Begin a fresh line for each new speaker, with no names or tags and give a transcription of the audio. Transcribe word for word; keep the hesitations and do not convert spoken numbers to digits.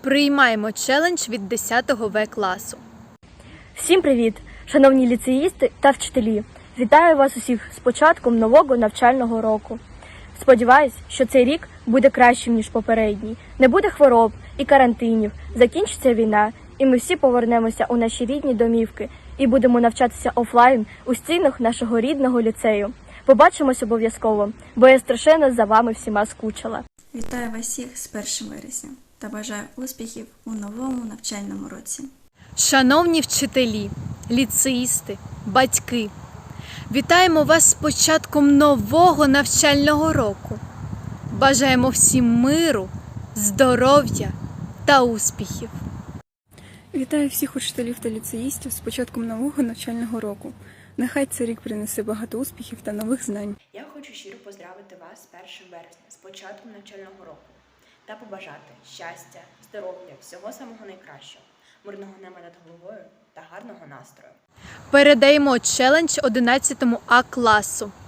Приймаємо челендж від десятого В класу.
Всім привіт, шановні ліцеїсти та вчителі! Вітаю вас усіх з початком нового навчального року. Сподіваюсь, що цей рік буде кращим, ніж попередній. Не буде хвороб і карантинів, закінчиться війна, і ми всі повернемося у наші рідні домівки і будемо навчатися офлайн у стінах нашого рідного ліцею. Побачимось обов'язково, бо я страшенно за вами всіма скучила.
Вітаю вас всіх з першим вересня та бажаю успіхів у новому навчальному році.
Шановні вчителі, ліцеїсти, батьки, вітаємо вас з початком нового навчального року. Бажаємо всім миру, здоров'я та успіхів.
Вітаю всіх учителів та ліцеїстів з початком нового навчального року. Нехай цей рік принесе багато успіхів та нових знань.
Я хочу щиро поздравити вас з першим вересня, з початком навчального року та побажати щастя, здоров'я, всього самого найкращого, мирного неба над головою та гарного настрою.
Передаємо челендж одинадцятому А класу.